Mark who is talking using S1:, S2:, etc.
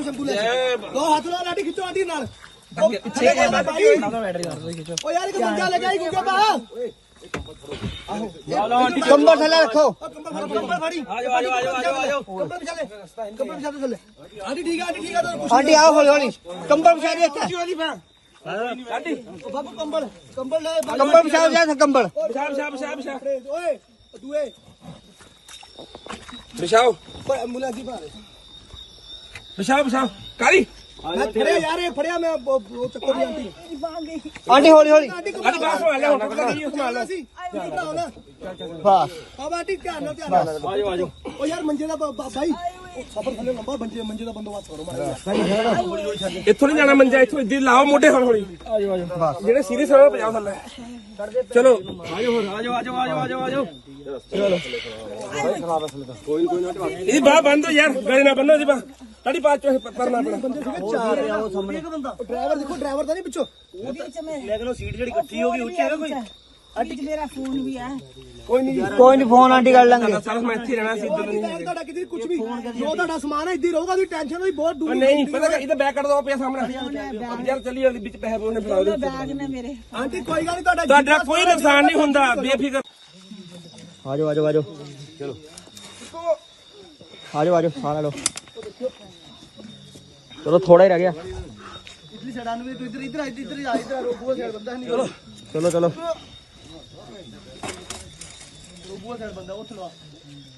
S1: ਸ਼ੰਭੂ ਲੈ ਦੋ ਹੱਥ ਲਾ ਲਾਡੀ ਖਿੱਚੋ ਆਂਟੀ ਨਾਲ ਪਿੱਛੇ ਓ ਯਾਰ ਇੱਕ ਬੰਦਾ ਲੈ ਜਾਈ ਗੁੱਗਾ ਬਾ
S2: ਕੰਬਲ ਥੱਲੇ ਰੱਖੋ
S1: ਕੰਬਲ ਫੜੀ ਆ ਜਾਓ ਕੰਬਲ ਵਿਛਾਲੇ ਥੱਲੇ ਆਂਟੀ ਠੀਕ ਆ
S2: ਆਂਟੀ ਆਓ ਹੌਲੀ ਹੌਲੀ ਕੰਬਲ ਵਿਛਾ ਦੇ ਇੱਥੇ
S1: ਆਂਟੀ ਬਾਬੂ ਕੰਬਲ ਲੈ
S2: ਕੰਬਲ ਵਿਛਾ ਜਾ ਕੰਬਲ
S1: ਵਿਛਾ ਓਏ ਦੂਏ
S3: ਵਿਛਾਓ
S1: ਐਂਬੂਲੈਂਸ ਦੀ ਭਾਰੇ
S3: ਵਿਛਾਓ ਕਾਲੀ
S1: ਮੈਂ ਫੜਿਆ ਯਾਰ ਇਹ ਫੜਿਆ ਮੈਂ ਉਹ ਚੱਕੋ ਦੀ ਆਂਟੀ
S2: ਆਂਟੀ ਹੌਲੀ ਹੌਲੀ
S3: ਆਂਟੀ ਬਾਹਰ ਸੰਭਾਲ ਲੈ ਹੁਣ ਨਹੀਂ ਸੰਭਾਲ ਲੈ
S2: ਬਸ
S1: ਬਾਬਾ ਆਂਟੀ ਧਿਆਨ ਨਾਲ ਆਜੋ ਓ ਯਾਰ ਮੰਜੇ ਦਾ ਬਾਈ ਸਫਰ ਥੱਲੇ ਲੰਬਾ ਮੰਜੇ ਦਾ ਬੰਦੋਬਸਤ ਕਰੋ ਮਾੜਾ
S3: ਇੱਥੋਂ ਨਹੀਂ ਜਾਣਾ ਮੰਜਾ ਇੱਥੋਂ ਇੱਧਰ ਲਾਓ ਮੋਢੇ ਹੌਲੀ ਹੌਲੀ ਜਿਹੜੇ ਸੀਰੀਅਸ ਹੋ ਪੰਜਾਬ ਥੱਲੇ ਚਲੋ ਆਜੋ ਕੋਈ ਨਾ ਇਹਦੀ ਬਾਹ ਬੰਦ ਹੋ ਯਾਰ ਗਾੜੀ ਨਾ ਬੰਨੋ ਇਹਦੀ ਬਾਹ ਤੁਹਾਡੀ ਬਾਤ ਚੋਂ ਪਰਨਾ ਆਪਣਾ
S1: ਬੰਦੇ ਸੀਗੇ ਚਾਰ ਆ ਉਹ ਸਾਹਮਣੇ ਇੱਕ ਬੰਦਾ ਡਰਾਈਵਰ ਦੇਖੋ ਡਰਾਈਵਰ ਤਾਂ ਨਹੀਂ ਪਿੱਛੋਂ
S2: ਲੇਕਿਨ ਉਹ ਸੀਟ ਜਿਹੜੀ ਇਕੱਠੀ ਹੋ ਗਈ ਉੱਚੀ ਹੈ ਕੋਈ
S4: ਅੱਜ ਮੇਰਾ ਫੋਨ ਵੀ ਆ
S2: ਕੋਈ ਨਹੀਂ ਫੋਨ ਆਂਟੀ ਕਰ ਲਾਂਗੇ
S3: ਸਾਰਾ ਮੈਂ ਇੱਥੇ ਰਹਿਣਾ ਸੀ ਇੱਧਰ ਨਹੀਂ
S1: ਤੁਹਾਡਾ ਕਿਤੇ ਕੁਝ ਵੀ ਜੋ ਤੁਹਾਡਾ ਸਮਾਨ ਹੈ ਇੱਧਰ ਰਹੂਗਾ ਤੁਸੀਂ ਟੈਨਸ਼ਨ ਨਹੀਂ ਬਹੁਤ ਦੂਰ
S3: ਨਹੀਂ ਪਤਾ ਇਹਦਾ ਬੈਕ ਕੱਢ ਦੋ ਪਿਆ ਸਾਹਮਣੇ ਯਾਰ ਚੱਲੀ ਉਹਦੇ ਵਿੱਚ ਪੈਸੇ ਉਹਨੇ ਫੜਾ ਦੇ
S4: ਬੈਗ ਨੇ ਮੇਰੇ
S1: ਆਂਟੀ ਕੋਈ ਗੱਲ ਨਹੀਂ
S3: ਤੁਹਾਡਾ ਕੋਈ ਨੁਕਸਾਨ ਨਹੀਂ ਹੁੰਦਾ ਬੇਫਿਕਰ
S2: ਆਜੋ ਚਲੋ ਆਜੋ ਸਾਰਾ ਲੋ ਚਲੋ ਥੋੜਾ ਹੀ ਰਹਿ ਗਿਆ
S1: ਇਧਰ ਸਾਈਡ ਨੂੰ ਤੂੰ ਇੱਧਰ ਆ ਰੋਬੂਆ ਸਾਈਡ ਬੰਦਾ ਨਹੀਂ
S2: ਚਲੋ
S1: ਰੋਬੂਆ ਸਾਈਡ ਬੰਦਾ ਉੱਥੇ ਲਵਾ